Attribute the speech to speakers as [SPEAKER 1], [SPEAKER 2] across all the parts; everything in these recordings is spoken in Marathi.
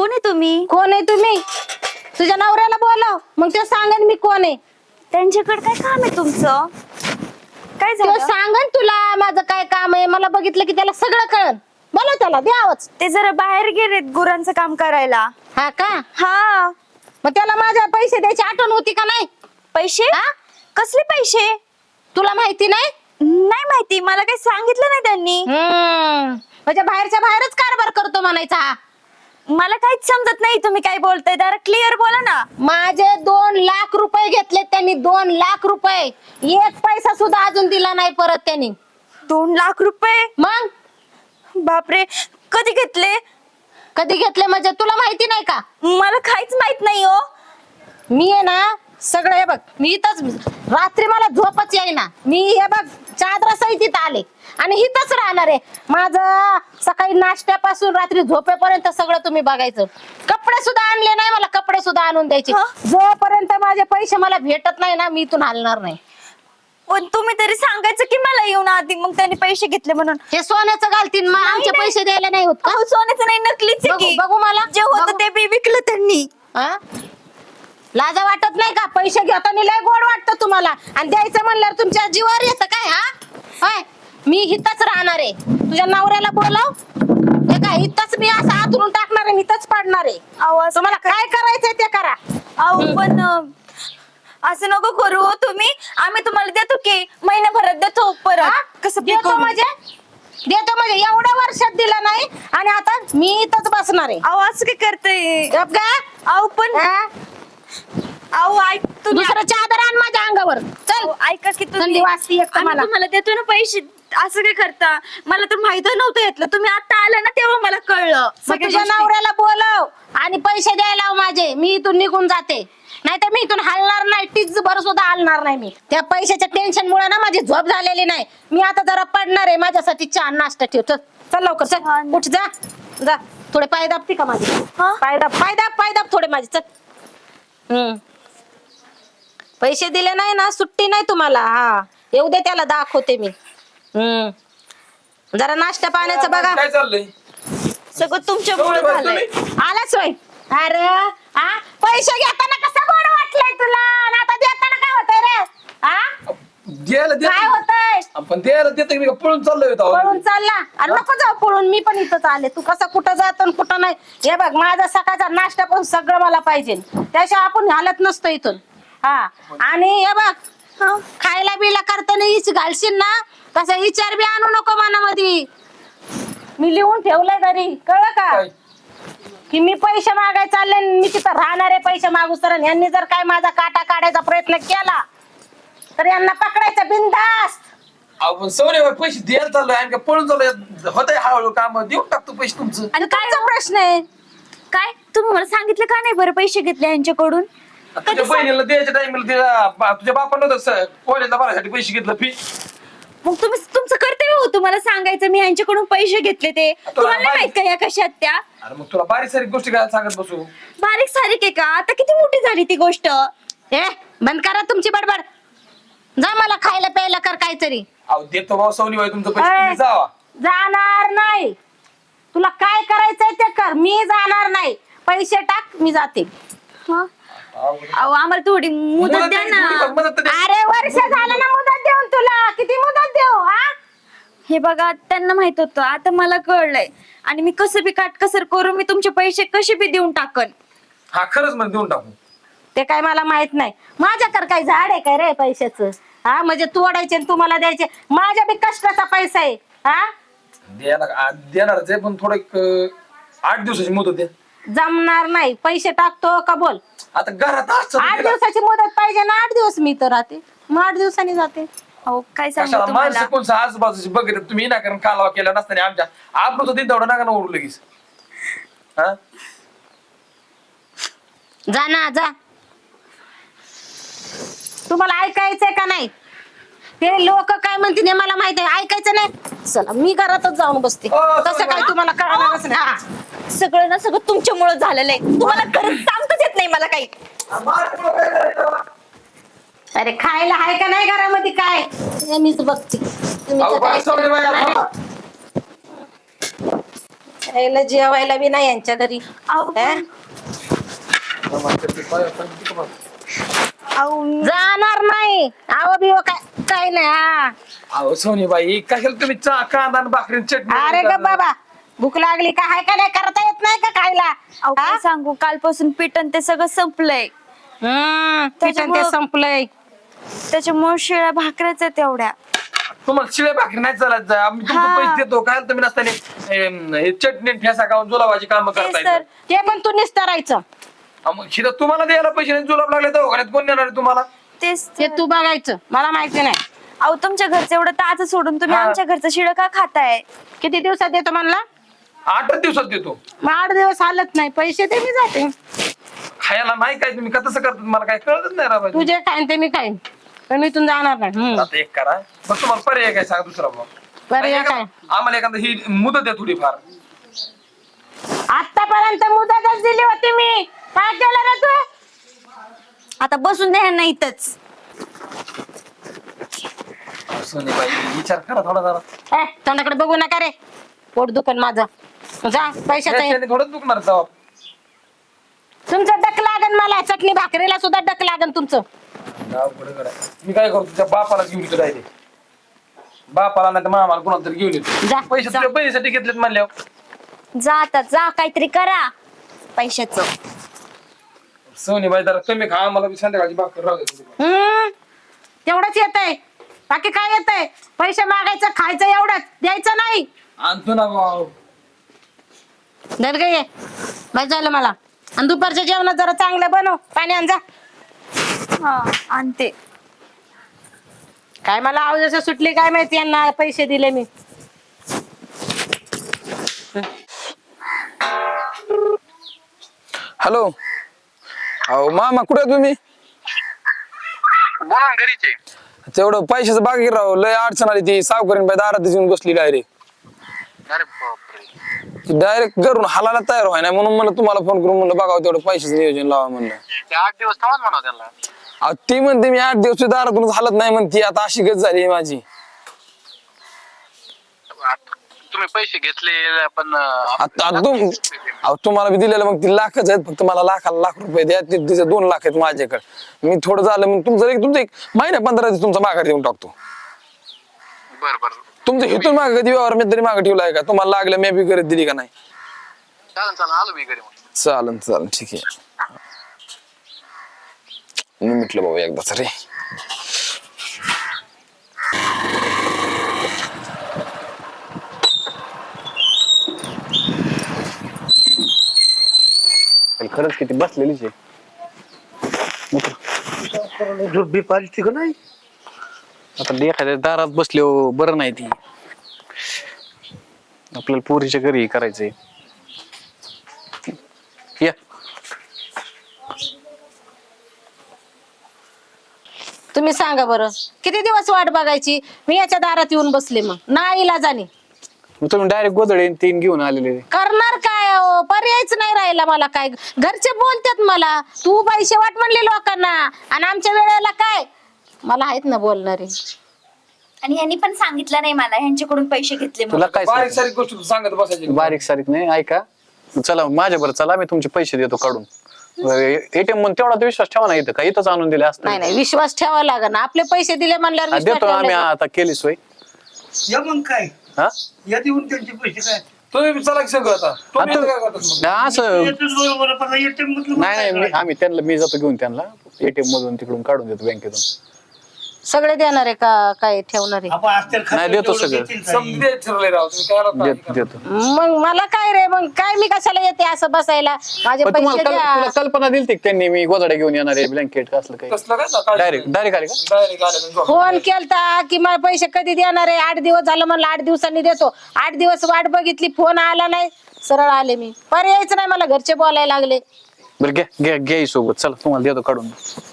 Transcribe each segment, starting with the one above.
[SPEAKER 1] कोण आहे तुम्ही?
[SPEAKER 2] कोण आहे तुम्ही? तुझ्या नवऱ्याला बोलव, मग ते सांगेन मी कोण आहे.
[SPEAKER 1] त्यांच्याकडे काय काम आहे तुमचं? काय
[SPEAKER 2] तो
[SPEAKER 1] झालं?
[SPEAKER 2] सांगन तुला माझं काय काम आहे. मला बघितलं की त्याला सगळं कळन. बोला त्याला, दे आवाज.
[SPEAKER 1] ते जरा बाहेर गेलेत गुरांचं काम करायला.
[SPEAKER 2] हा का?
[SPEAKER 1] हा.
[SPEAKER 2] मग त्याला माझ्या पैसे द्यायची आठवण होती का नाही?
[SPEAKER 1] पैसे?
[SPEAKER 2] हा?
[SPEAKER 1] कसले पैसे?
[SPEAKER 2] तुला माहिती नाही?
[SPEAKER 1] नाही माहिती, मला काही सांगितलं नाही त्यांनी.
[SPEAKER 2] म्हणजे बाहेरच्या बाहेरच कारभार करतो म्हणायचा हा.
[SPEAKER 1] मला काहीच समजत नाही तुम्ही काय बोलताय. जरा क्लिअर बोला ना.
[SPEAKER 2] माझे 2 लाख रुपये घेतले त्यांनी. 2 लाख रुपये. एक पैसा सुद्धा अजून दिला नाही परत त्यांनी.
[SPEAKER 1] 2 लाख रुपये?
[SPEAKER 2] मग
[SPEAKER 1] बापरे, कधी घेतले?
[SPEAKER 2] कधी घेतले म्हणजे तुला माहिती नाही का?
[SPEAKER 1] मला काहीच माहित नाही हो.
[SPEAKER 2] मी आहे ना सगळं, हे बघ मी इथंच, रात्री मला झोपच येईना. मी हे बघ चादरा सहित इथं आले आणि इथंच राहणार आहे. माझं सकाळी नाश्त्यापासून रात्री झोपेपर्यंत सगळं तुम्ही बघायचं. कपडे सुद्धा आणले नाही, मला कपडे सुद्धा आणून द्यायचे. जोपर्यंत माझे पैसे मला भेटत नाही ना, मी इथून हलणार नाही.
[SPEAKER 1] पण तुम्ही तरी सांगायचं की मला येऊन आधी, मग त्यांनी पैसे घेतले म्हणून.
[SPEAKER 2] हे सोन्याचं घालतीन, मग आमचे
[SPEAKER 1] नाही.
[SPEAKER 2] पैसे द्यायला नाही होत का?
[SPEAKER 1] अहो, सोन्याचं नाही, नकलीच आहे की.
[SPEAKER 2] बघू मला.
[SPEAKER 1] जे होतं
[SPEAKER 2] बघू.
[SPEAKER 1] ते बी विकलं त्यांनी.
[SPEAKER 2] हा? लाजा वाटत नाही का? पैसे घेताना लय गोड वाटतं तुम्हाला, आणि द्यायचं म्हणल्यावर तुमच्या जीवावर येतं काय? हा, मी इथंच राहणार आहे. तुझ्या नवऱ्याला बोलव. हे काय इथंच मी असं आतरून टाकणार आहे, इथंच पडणार आहे.
[SPEAKER 1] आवाज
[SPEAKER 2] तुम्हाला काय करायचंय ते करा.
[SPEAKER 1] अहो पण असं नको करू हो तुम्ही. आम्ही तुम्हाला देतो की महिन्याभरात देतो
[SPEAKER 2] हा?
[SPEAKER 1] परत. कसं बी
[SPEAKER 2] देतो
[SPEAKER 1] करू.
[SPEAKER 2] म्हणजे? देतो म्हणजे एवढ्या वर्षात दिलं नाही आणि आता मी इथंच बसणार आहे.
[SPEAKER 1] अहो असं काय करताय?
[SPEAKER 2] गप गा.
[SPEAKER 1] अहो पण
[SPEAKER 2] हा?
[SPEAKER 1] अहो ऐक तुम्ही.
[SPEAKER 2] दुसरं चादर आण माझ्या अंगावर. चल.
[SPEAKER 1] अहो, ऐका की
[SPEAKER 2] थंडी
[SPEAKER 1] तुम्ही.
[SPEAKER 2] वाजती एक तर
[SPEAKER 1] आम्ही
[SPEAKER 2] मला.
[SPEAKER 1] तुम्हाला देतो ना पैसे. असं काय करता? मला तर माहित नव्हतं यातलं. तुम्ही आता आला ना तेव्हा मला कळलं
[SPEAKER 2] मग
[SPEAKER 1] सगळ्या
[SPEAKER 2] तुझ्या
[SPEAKER 1] गोष्टी.
[SPEAKER 2] नवऱ्याला बोलव आणि पैसे द्यायला लाव माझे. मी इथून निघून जाते, नाही तर मी इथून हलणार नाही. टीच भर सुद्धा हलणार नाही मी. त्या पैशाच्या टेन्शन मुळे ना माझी झोप झालेली नाही. मी आता जरा पडणार आहे. माझ्यासाठी चहा नाश्ता ठेव. चल चल लवकर, चल उठ, जा जा. थोडे पाय दाबते का माझे?
[SPEAKER 1] हा?
[SPEAKER 2] पाय दाब थोडे माझे. चल. पैसे दिले नाही ना, सुट्टी नाही तुम्हाला. हा, येऊ दे त्याला, दाखवते मी. जरा नाश्ता पाण्याचं बघा.
[SPEAKER 3] काय चाललंय?
[SPEAKER 1] सगळं तुमच्यामुळे झालंय.
[SPEAKER 2] आलाच होय. अरे हा, पैसे घेताना कसं गोड वाटलंय तुला, आणि आता देताना काय होतंय रे? हा,
[SPEAKER 3] द्यायला
[SPEAKER 2] काय
[SPEAKER 3] देत
[SPEAKER 2] होतंय?
[SPEAKER 3] पण द्यायला देत मी का पळून चाललोय होतो.
[SPEAKER 2] पळून चालला? अरे नको जाऊ पळून, मी पण इथंच आले. तू कसं कुठं जात आणि कुठं नाही. हे बघ, माझा सकाळचा नाश्ता पण सगळं मला पाहिजे, त्याशिवाय आपण हालत नसतो इथून. हा, आणि हे बघ, खायला बिला करताना हीच घालशील ना, तसा विचार बी आणू नको मनामध्ये. मी लिहून ठेवलंय घरी, कळलं का?
[SPEAKER 3] काय?
[SPEAKER 2] की मी पैसे मागाय चालले, मी तिथं राहणार आहे पैसे मागू तर. यांनी जर काय माझा काटा काढायचा प्रयत्न केला तर यांना पकडायचं बिनधास्त.
[SPEAKER 3] आपण सवरे पैसे द्यायला चाललोय आणि का पळून चाललोय. होतंय हळूहळू काम, देऊन टाकतो पैसे तुमचं.
[SPEAKER 2] आणि तुमचा प्रश्न आहे
[SPEAKER 1] काय तुम्ही मला सांगितलं का नाही बरं पैसे घेतले यांच्याकडून?
[SPEAKER 3] तुझ्या बहिणीला द्यायच्या टाइमला तुझ्या बापानं होतं कॉलेजला भरायसाठी पैसे घेतलं फी.
[SPEAKER 1] मग तुम्ही तुमचं कर्तव्य होतं मला सांगायचं मी यांच्याकडून पैसे घेतले ते. तुम्हाला नाही माहित का या कशात त्या?
[SPEAKER 3] अरे मग तुला बारीक सारीक गोष्टी काय सांगत बसू?
[SPEAKER 1] बारीक सारीक आहे का? आता किती मोठी झाली ती गोष्ट.
[SPEAKER 2] ए, बंद करा तुमची बडबड. जा, मला खायला प्यायला कर काहीतरी.
[SPEAKER 3] अहो देतो भाऊ सवनी बाई तुमचं पैसे,
[SPEAKER 2] ए,
[SPEAKER 3] तुम्ही जावा.
[SPEAKER 2] जाणार नाही. तुला काय करायचंय ते कर, मी जाणार नाही. पैसे टाक, मी जाते.
[SPEAKER 1] हा? अहो आम्हाला थोडी मुदत द्या ना.
[SPEAKER 3] मदत द्या.
[SPEAKER 2] अरे वर्ष झालं ना मुदत देऊन तुला. किती मुदत देऊ? हा,
[SPEAKER 1] हे बघा त्यांना माहित होतं, आता मला कळलंय. आणि मी कसं बी काटकसर करून मी तुमचे पैसे कसे बी देऊन टाकन.
[SPEAKER 3] हा खरंच म्हणजे देऊन टाकू.
[SPEAKER 2] ते काय मला माहित नाही. माझ्याकडे काय झाड आहे काय रे पैशाचं? हा, म्हणजे तोडायचे आणि तुम्हाला द्यायचे. माझ्या बी कष्टाचा पैसा आहे. हा,
[SPEAKER 3] देणारच आहे पण थोडं 8 दिवसाची मुदत द्या.
[SPEAKER 2] जमणार नाही. पैसे टाकतो का बोल?
[SPEAKER 3] आता घरात असतं
[SPEAKER 2] 8 दिवसाची मुदत पाहिजे ना. 8 दिवस मी तर राहते, मग 8 दिवसांनी जाते.
[SPEAKER 1] अहो काय सांगू
[SPEAKER 3] कशाला
[SPEAKER 1] तुम्हाला.
[SPEAKER 3] माणसं कोणचं आजूबाजूची बघितलं तुम्ही विनाकारण कालवा केला नसताना आमच्या आपण दिन तेवढं नका ना ओढू लगेच. हा,
[SPEAKER 2] जा ना, जा. तुम्हाला ऐकायचंय का नाही? ते लोक काय म्हणतील हे मला माहिती आहे. ऐकायचं नाही. चला मी घरातच जाऊन बसते. तसं काय तुम्हाला कळणारच नाही. हा,
[SPEAKER 1] सगळं ना सगळं तुमच्यामुळे झालेलं आहे. तुम्हाला खरंच सांगताच येत नाही मला काही.
[SPEAKER 2] अरे खायला आहे का नाही घरामध्ये काय? हे मीच बघते. तुम्ही तर काय- यायला जेवायला बी नाही यांच्या घरी.
[SPEAKER 1] अहो,
[SPEAKER 2] हे?
[SPEAKER 1] अहो,
[SPEAKER 2] जाणार नाही. आव बिव काय काय नाही. हा.
[SPEAKER 3] अहो सोनीबाई कशाला तुम्ही चहा कांदा आणि भाकरी चटणी
[SPEAKER 2] अरे ग बाबा, भूक लागली का हाय का नाही, करता येत नाही का खायला?
[SPEAKER 1] अहो, काय सांगू, कालपासून पिठण ते सगळं संपलंय.
[SPEAKER 2] पिठण ते संपलंय.
[SPEAKER 1] त्याच्यामुळे शिळ्या भाकऱ्याच आहेत तेवढ्या.
[SPEAKER 3] तुम्हाला शिळे भाकरी नाही चालत जा. आम्ही तुमचे
[SPEAKER 1] हा.
[SPEAKER 3] पैसे देतो काय तुम्ही नसताना हे चटणी आणि ठेसा खाऊन जुलाबाची कामं
[SPEAKER 1] ते
[SPEAKER 3] करताय.
[SPEAKER 1] सर,
[SPEAKER 2] ते पण तू निस्तारायचं.
[SPEAKER 3] मग शिदा तुम्हाला द्यायला पैसे नाही, जुलाब लागले दवाखान्यात कोण देणार आहे तुम्हाला?
[SPEAKER 1] तेच
[SPEAKER 2] ते
[SPEAKER 1] तर.
[SPEAKER 2] तू बघायचं, मला माहिती नाही.
[SPEAKER 1] अहो, तुमच्या घरचं एवढं ताज सोडून तुम्ही
[SPEAKER 3] हा.
[SPEAKER 1] आमच्या घरचं शिळ का खाताय?
[SPEAKER 2] किती दिवसात येतो म्हणला?
[SPEAKER 3] 8 दिवसात देतो.
[SPEAKER 2] मग 8 दिवस हालत नाही, पैसे ते मी जाते.
[SPEAKER 3] खायला नाही काय तुम्ही का तसं करतात मला काय कळतच नाही राव.
[SPEAKER 2] तू जे खाईन ते मी खाईन, पण मी इथून जाणार नाही.
[SPEAKER 3] आता एक करा मग तुम्हाला पर्याय काय सांगा दुसरा भाऊ.
[SPEAKER 2] बरं या काय,
[SPEAKER 3] आम्हाला एखादा ही मुदत द्या थोडीफार.
[SPEAKER 2] आतापर्यंत मुदतच दिली होती मी. काय केलं रे तू?
[SPEAKER 1] आता बसून द्या ना इथंच.
[SPEAKER 3] सोनीबाई विचार करा थोडा जरा.
[SPEAKER 2] तोंडाकडे बघू नका रे, पोट दुखन माझं. जा पैशाचा.
[SPEAKER 3] याच्याने थोडंच दुखणार जावा.
[SPEAKER 2] तुमचं डक लागन, मला चटणी भाकरीला सुद्धा डक लागन तुमचं.
[SPEAKER 3] मी काय करतो तुझ्या बापाला घेऊन येतो डायरेक्ट. बापाला नाही तर मामाला कोणाला तरी घेऊन येतो.
[SPEAKER 2] जा,
[SPEAKER 3] पैसे तुझ्या बहिणीसाठी घेतलेत म्हणल्यावर.
[SPEAKER 1] जा आता, जा काहीतरी करा पैशाचं.
[SPEAKER 3] सोनीबाई जरा कमी खा, आम्हाला बी संध्याकाळची भाकर राहू दे.
[SPEAKER 2] तेवढंच येतंय, बाकी काय येतंय? पैसे मागायचं, खायचं, एवढंच द्यायचं नाही.
[SPEAKER 3] आणतो ना भाऊ.
[SPEAKER 2] धर ग ये, बस झालं मला. आणि दुपारच्या जेवणात जरा चांगलं बनव, पाणी आण जा.
[SPEAKER 1] हा, आणते.
[SPEAKER 2] काय मला आवाज असं सुटली काय माहिती, यांना पैसे दिले मी.
[SPEAKER 4] हॅलो, अहो मामा कुठे आहे तुम्ही?
[SPEAKER 5] बोला घरीचे.
[SPEAKER 4] तेवढं पैशाचं बाकी राव, लय अडचण आली. ती सावकारीन बाई दारात येऊन बसली डायरेक्ट.
[SPEAKER 5] अरे बापरे,
[SPEAKER 4] डायरेक्ट घरून हालायला तयार व्हाय नाही, म्हणून मला तुम्हाला फोन करून म्हणलं बघावं तेवढं पैशाचं नियोजन लावा म्हणलं.
[SPEAKER 5] ते 8 दिवस थांबत म्हणा त्यांना.
[SPEAKER 4] अहो ती म्हणते मी 8 दिवस दारातूनच हालत नाही म्हणते. आता अशी गत झाली माझी.
[SPEAKER 5] तुम्ही पैसे घेतले पण
[SPEAKER 4] आता अहो तुम्हाला मी दिलेलं मग ती लाखच आहेत, फक्त मला लाखाला लाख रुपये द्या. तिचे 2 लाख आहेत माझ्याकडे. मी थोडं झालं मग तुमचं एक महिना 15 दिवस तुमचा माघार देऊन टाकतो.
[SPEAKER 5] बर बर
[SPEAKER 4] तुमचं हिथून मागे कधी व्यवहार मी तरी मागे ठेवलाय का? तुम्हाला लागलं मी बी करत दिली का नाही?
[SPEAKER 5] चालेल चालेल, आलो मी घरी मग.
[SPEAKER 4] चालन ठीक आहे. मी म्हटलं बाबा एकदाच रे.
[SPEAKER 6] खरंच किती बसलेलीच आहे.
[SPEAKER 7] झोप बी पालती का नाही?
[SPEAKER 6] आता एखाद्या दारात बसले बरं नाही. ती आपल्याला पोरीच्या घरी करायचंय. या
[SPEAKER 2] तुम्ही सांगा बरं, किती दिवस वाट बघायची? मी याच्या दारात येऊन बसले, मग नाही इलाजाने.
[SPEAKER 6] मग तुम्ही डायरेक्ट गोदडे 3 घेऊन आलेले.
[SPEAKER 2] करणार काय हो? पर्यायच नाही राहिला मला. काय घरचे बोलतात मला, तू पैसे वाट म्हणले लोकांना, आणि आमच्या वेळेला काय? मला आहेत ना बोलणारे.
[SPEAKER 1] आणि यांनी पण सांगितलं नाही मला ह्यांच्याकडून पैसे घेतले म्हणून.
[SPEAKER 6] तुला काय
[SPEAKER 3] बारीक
[SPEAKER 6] सांगू?
[SPEAKER 3] सारीक गोष्ट तू सांगत बसायची.
[SPEAKER 6] बारीक सारीक नाही, ऐका. चला माझ्या बरं, चला मी तुमचे पैसे देतो काढून. एटीएम म्हणून तेवढा तर विश्वास ठेवा ना. इथं का इथंच आणून दिले असतं.
[SPEAKER 2] नाही विश्वास ठेवावा लागेल ना. आपले पैसे दिले म्हणल्यावर विश्वास
[SPEAKER 6] देतो आम्ही.
[SPEAKER 2] ठेवला.
[SPEAKER 6] आता केली सोय.
[SPEAKER 7] या मग काय,
[SPEAKER 6] हा
[SPEAKER 7] या देऊन त्यांचे पैसे काय
[SPEAKER 3] तुम्ही चला की सगळं आता. तुम्ही
[SPEAKER 6] आता-
[SPEAKER 3] इथं काय करतात मग?
[SPEAKER 6] नाही, असं
[SPEAKER 7] येतच बरोबर, पण ATM मधलं
[SPEAKER 6] नाही
[SPEAKER 7] काय
[SPEAKER 6] आम्ही त्यांना, मी जातो घेऊन त्यांना एटीएम मधून तिकडून काढून देतो बँकेतून.
[SPEAKER 2] सगळे देणार आहे का काय ठेवणार आहे?
[SPEAKER 7] आपण असतील
[SPEAKER 6] नाही, देतो सगळं.
[SPEAKER 3] समजी द्यायचं ठरलंय राव तुम्ही काय राहता?
[SPEAKER 6] देतो.
[SPEAKER 2] मग मला काय रे, मग काय मी कशाला येते असं बसायला? माझे
[SPEAKER 6] पण
[SPEAKER 2] पैसे
[SPEAKER 6] तुला
[SPEAKER 2] द्या.
[SPEAKER 6] कल्पना दिली त्यांनी, मी गोदाडे घेऊन येणार आहे ब्लँकेट असलं काही.
[SPEAKER 3] कसलं काय
[SPEAKER 6] डायरेक्ट आले का?
[SPEAKER 3] डायरेक्ट आले झोप.
[SPEAKER 2] फोन केलता की मला पैसे कधी देणार आहे? 8 दिवस झालं म्हणलं 8 दिवसांनी देतो. 8 दिवस वाट बघितली, फोन आला नाही, सरळ आले मी. पर्यायच नाही मला, घरचे बोलायला लागले.
[SPEAKER 6] बरं घ्या सोबत. चला तुम्हाला देतो काढून.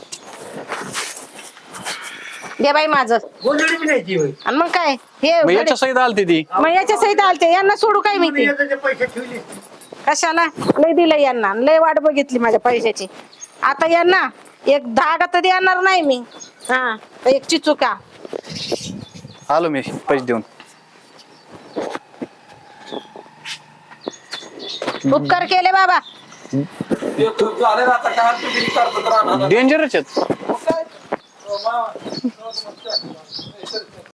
[SPEAKER 2] दे बाई माझं.
[SPEAKER 7] गोंधळी बी नाही ती होय.
[SPEAKER 2] आणि मग काय हे
[SPEAKER 6] मग याच्या सहित आलती ती.
[SPEAKER 2] मग याच्या सहित आलते, यांना सोडू काय मी? ते
[SPEAKER 7] याचे पैसे ठेवले.
[SPEAKER 2] कशाला लय दिलं यांना, लय वाट बघितली माझ्या पैशाची. आता यांना एक धागा तर देणार नाही मी. हा, एक चिचुका.
[SPEAKER 6] आलो मी पैसे देऊन.
[SPEAKER 2] उपकार केले बाबा.
[SPEAKER 3] ते तू झाले ना आता काय तुम्ही करतात राहणार
[SPEAKER 6] डेंजरच आहेत.
[SPEAKER 3] मग काय?